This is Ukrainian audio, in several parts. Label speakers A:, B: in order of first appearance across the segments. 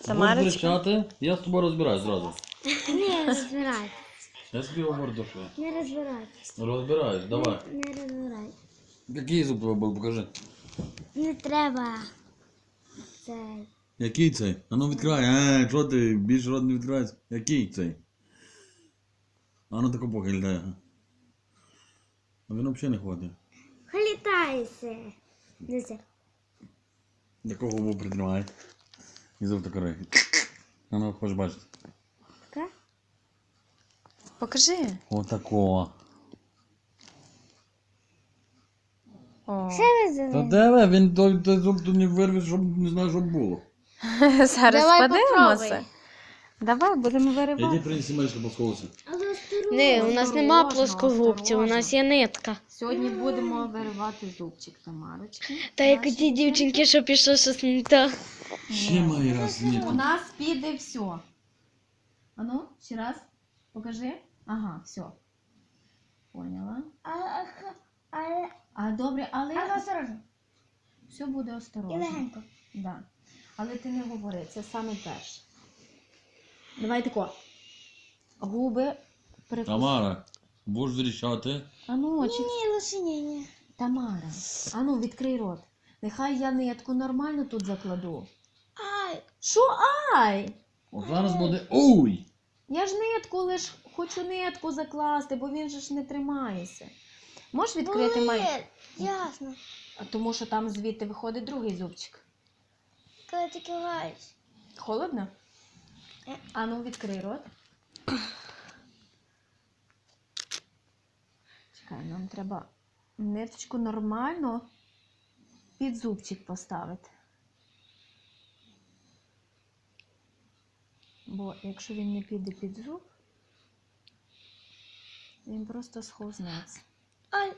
A: Тамарочка.
B: кричати, я з тобою розбираюсь зразу.
C: Не розбирай.
B: Я собі говорю до що.
C: Не розбирай.
B: Розбираюсь, давай.
C: Не розбирай.
B: Який зуб тебе був, покажи.
C: Не треба. Цей.
B: Який цей? А ну відкривай. Що ти, більше рот не відкривається? Який цей? А ну тако похильдай. А він взагалі не хватить.
C: Халітайся. Дивіться.
B: Такого губу притримай. І зуб такий. А ну, хочеш бачити.
C: Така?
A: Покажи.
B: Отакого.
A: О.
C: Ще ви
B: Та
C: зелені.
B: давай, він той зуб тут не вирве, щоб не знаю, що було.
A: Зараз
C: Давай
A: подивимося.
C: попробуй.
A: Давай, будемо
B: Іди
A: виривати.
B: принеси мишку посховуватися.
C: Не, у нас нема
A: Осторожно,
C: плоскогубців, у нас
A: осторожно.
C: є нитка.
A: Сьогодні будемо виривати зубчик Тамарочки.
C: Та як ті дівчинки, що пішло щось не так.
B: Ще має раз
A: У
B: ні.
A: нас піде все. Ану, ще раз. Покажи. Ага, все. Поняла. А добре, але
C: осторожно.
A: все буде осторожно. Да. Але ти не говори, це саме перше. Давай тако. Губи прикус.
B: Тамара, будеш вирішати.
A: Ану, чи...
C: Ні, лише ні.
A: Тамара, ану, відкрий рот. Нехай я нитку нормально тут закладу.
C: Ай,
A: Що ай?
B: О, зараз буде. Уй!
A: Я ж нитку лиш хочу нитку закласти, бо він же ж не тримається. Можеш відкрити май?
C: ясно.
A: Тому що там звідти виходить другий зубчик.
C: Коли ти киваєш.
A: Холодно? Ану, відкрий рот. Чекай, нам треба ниточку нормально під зубчик поставити. Бо якщо він не піде під зуб, він просто схознеться.
C: Ай,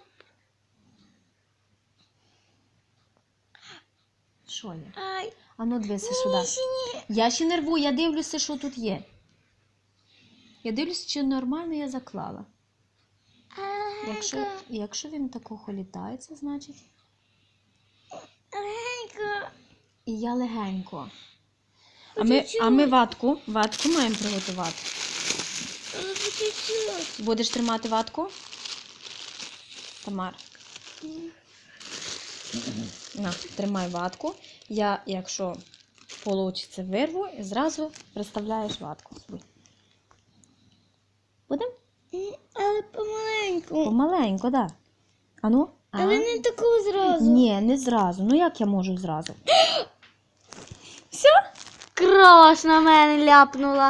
A: Що є?
C: ай.
A: Ану, дивися сюди. Я ще не рву, я дивлюся, що тут є. Я дивлюся, чи нормально я заклала. Якщо він тако холітається, значить.
C: Легенько.
A: І я легенько.
C: По-чуть-чуть.
A: А ми ватку маємо приготувати.
C: Чуть-чуть.
A: Будеш тримати ватку? Тамар. На, тримай ватку. Я, якщо вийде, вирву і зразу приставляєш ватку собі. Будем?
C: Але помаленьку.
A: Помаленько, так. Да. Ану?
C: Але не таку зразу.
A: Ні, не зразу. Ну як я можу зразу?
C: Кров на мене ляпнула.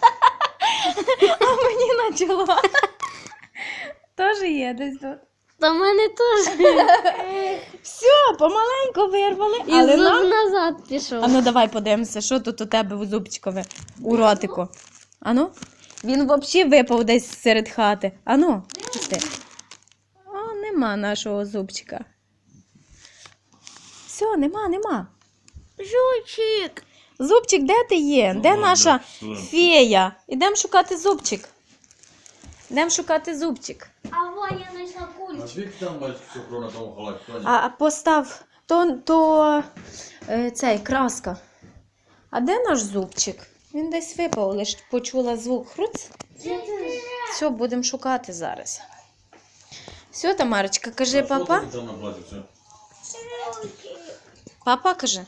A: А мені почало. Теж є десь тут.
C: Та в мене теж.
A: Все, помаленько вирвали.
C: І
A: Але
C: зуб
A: нам...
C: назад пішов.
A: Ану, давай подивимося, що тут у тебе у зубчикові, у ротику. Ану? Він взагалі випав десь серед хати. Ану, пусти. О, нема нашого зубчика. Все, нема.
C: Жучик.
A: Зубчик, де ти є? Де наша фея? Ідемо шукати зубчик.
C: А во, я знайшла
B: А
C: кульку.
B: звідки там бачиш цукру на тому халаті?
A: А постав, то цей, краска. А де наш зубчик? Він десь випав, лише почула звук хруц. Все, будемо шукати зараз. Все, Тамарочка, кажи папа.
B: Там на платі все.
A: Папа каже.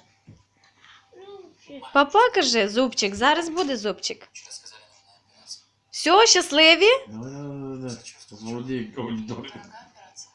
A: Папа каже, зубчик, зараз буде зубчик. Все, щасливі?
B: Молодій аудиторії.